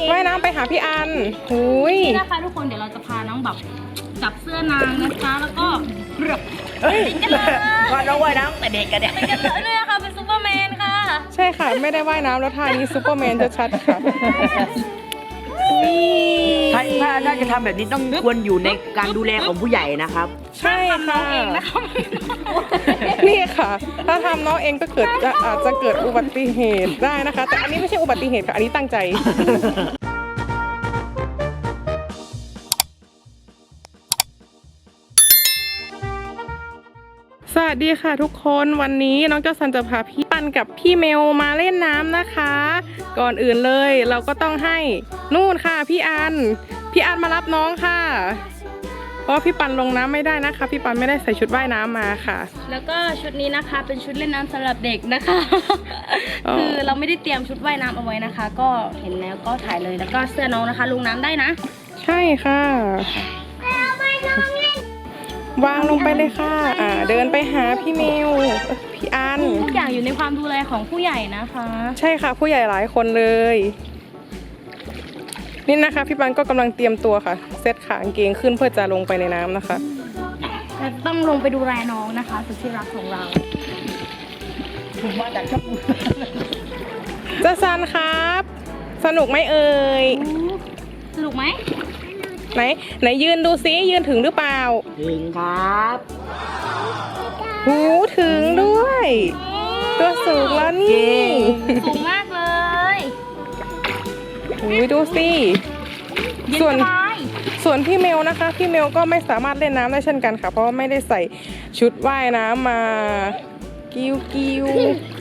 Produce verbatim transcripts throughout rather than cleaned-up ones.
ว่ายน้ำไปหาพี่อันหุยนี่นะคะทุกคนเดี๋ยวเราจะพาน้องแบบจับเสื้อนางนะคะแล้วก็เรือกกันเลยว่าน้องว่ายน้ำแต่เด็กกันเนี่ยไปกันเลยเนี่ยค่ะเป็นซูเปอร์แมนค่ะใช่ค่ะไม่ได้ว่ายน้ำแล้วท่านี้ซูเปอร์แมนจะชัดค่ะนี่ถ้าถ้าถ้าจะทำแบบนี้ต้องควรอยู่ในการดูแลของผู้ใหญ่นะครับใช่ทำน้ค่ะองเองนะคะนี่ค่ะ ถ้าทำน้องเองก็เกิดจะอาจจะเกิดอุบัติเหตุได้นะคะ แต่อันนี้ไม่ใช่อุบัติเหตุค่ะอันนี้ตั้งใจสวัสดีค่ะทุกคนวันนี้น้องเจ้าซันจะพาพี่ปันกับพี่เมลมาเล่นน้ำนะคะ ก่อนอื่นเลยเราก็ต้องให้นู่นค่ะพี่อันพี่อันมารับน้องค่ะ เพราะพี่ปันลงน้ำไม่ได้นะคะพี่ปันไม่ได้ใส่ชุดว่ายน้ำมาค่ะแล้วก็ชุดนี้นะคะเป็นชุดเล่นน้ำสำหรับเด็กนะคะอ๋อคือเราไม่ได้เตรียมชุดว่ายน้ำเอาไว้นะคะ ก็เห็นแล้วก็ถ่ายเลยแล้วก็เสื้อน้องนะคะลงน้ำได้นะใช่ค่ะวางลงไปเลยค่ะอ่าเดินไปหาพี่เมลพี่อันทุกอย่างอยู่ในความดูแลของผู้ใหญ่นะคะใช่ค่ะผู้ใหญ่หลายคนเลยนี่นะคะพี่ปันก็กำลังเตรียมตัวค่ะเซตขากางเกงขึ้นเพื่อจะลงไปในน้ำนะคะแต่ต้องลงไปดูแลน้องนะคะสุดที่รักของเราผมมาจากช่องเจ้าซันครับ สนุกไหมเอ่ยสนุกไหมไหนไหนยืนดูซิยืนถึงหรือเปล่าถึงครับหูถึงด้วย ตัวสูงแล้วนี่สูงมากเลยหูยดูสิเย็นส่วนสบายส่วนพี่เมลนะคะพี่เมลก็ไม่สามารถเล่นน้ำได้เช่นกันค่ะ เพราะว่าไม่ได้ใส่ชุดว่ายน้ำมากิ้วกิ้ว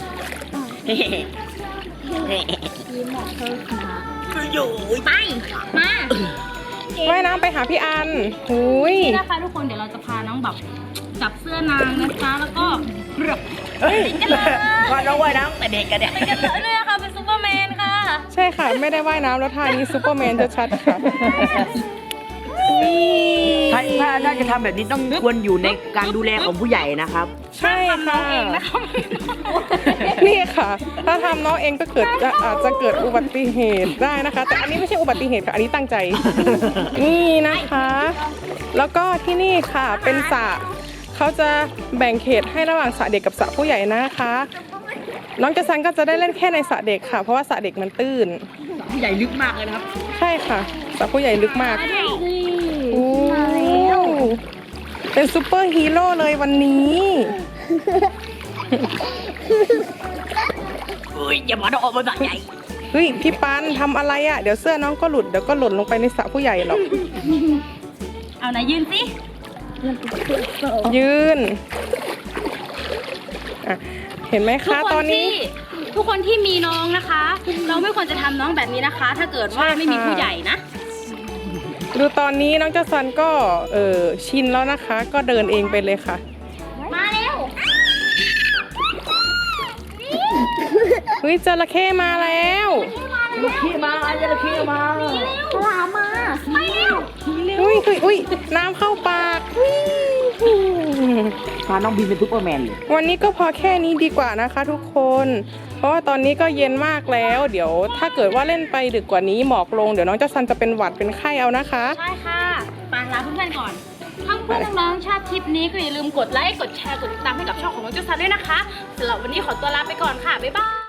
อยู่ไปมาว่ายน้ำไปหาพี่อันหุยนี่นะคะทุกคนเดี๋ยวเราจะพาน้องแบบจับเสื้อนางนะคะแล้วก็เรือกกันเลยว่าน้องว่ายน้ำแต่เด็กกันเนี่ยไปกันเลยเนี่ยค่ะเป็นซูเปอร์แมนค่ะใช่ค่ะไม่ได้ว่ายน้ำแล้วท่านี้ซูเปอร์แมนจะชัดค่ะนี่ถ้าถ้าถ้าจะทำแบบนี้ต้องควรอยู่ในการดูแลของผู้ใหญ่นะครับใช่ทำน้อค่ะงเองนะคะนี่ค่ะ ถ้าทำน้องเองก็เกิดจะอาจจะเกิดอุบัติเหตุได้นะคะ แต่อันนี้ไม่ใช่อุบัติเหตุค่ะอันนี้ตั้งใจนี่นะคะ แล้วก็ที่นี่ค่ะเป็นสระเขาจะแบ่งเขตให้ระหว่างสระเด็กกับสระผู้ใหญ่นะคะ น้องเจสันก็จะได้เล่นแค่ในสระเด็กค่ะเพราะว่าสระเด็กมันตื้นผู้ใหญ่ลึกมากเลยนะครับใช่ค่ะสระผู้ใหญ่ลึกมากโอ้เป็นซูเปอร์ฮีโร่เลยวันนี้อุ้ยอย่ามาต้องออกมาแบบใหญ่เฮ้ยพี่ปันทำอะไรอ่ะเดี๋ยวเสื้อน้องก็หลุดเดี๋ยวก็หล่นลงไปในสระผู้ใหญ่หรอกเอาไหนยืนสิยืนอ่ะเห็นไหมทุกคะคตอนนนี้ที่ทุกคนที่มีน้องนะคะ เราไม่ควรจะทำน้องแบบนี้นะคะ ถ้าเกิดว่าใช่ค่ะไม่มีผู้ใหญ่นะดูตอนนี้น้องเจ้าซันก็เออชินแล้วนะคะ ก็เดินเองไปเลยค่ะมาเร็วเฮ้ยจระเข้มาแล้วจระเข้มาจระเข้มาปลามาไปเร็วอุ้ยอุ้ยอุ้ยน้ำเข้าปากอุ้ยพาน้องบีมเป็นซุปเปอร์แมนเลยวันนี้ก็พอแค่นี้ดีกว่านะคะทุกคน เพราะว่าตอนนี้ก็เย็นมากแล้ว เดี๋ยวถ้าเกิดว่าเล่นไปดึกกว่านี้หมอกลงเดี๋ยวน้องเจ้าซันจะเป็นหวัดเป็นไข้เอานะคะใช่ค่ะปาลาเพื่อนๆก่อนถ้าเพื่อนน้องๆชอบคลิปนี้ก็อย่าลืมกดไลค์ กดแชร์ กดติดตามให้กับช่องของน้องเจ้าซันด้วยนะคะสำหรับวันนี้ขอตัวลาไปก่อนค่ะ บ๊ายบาย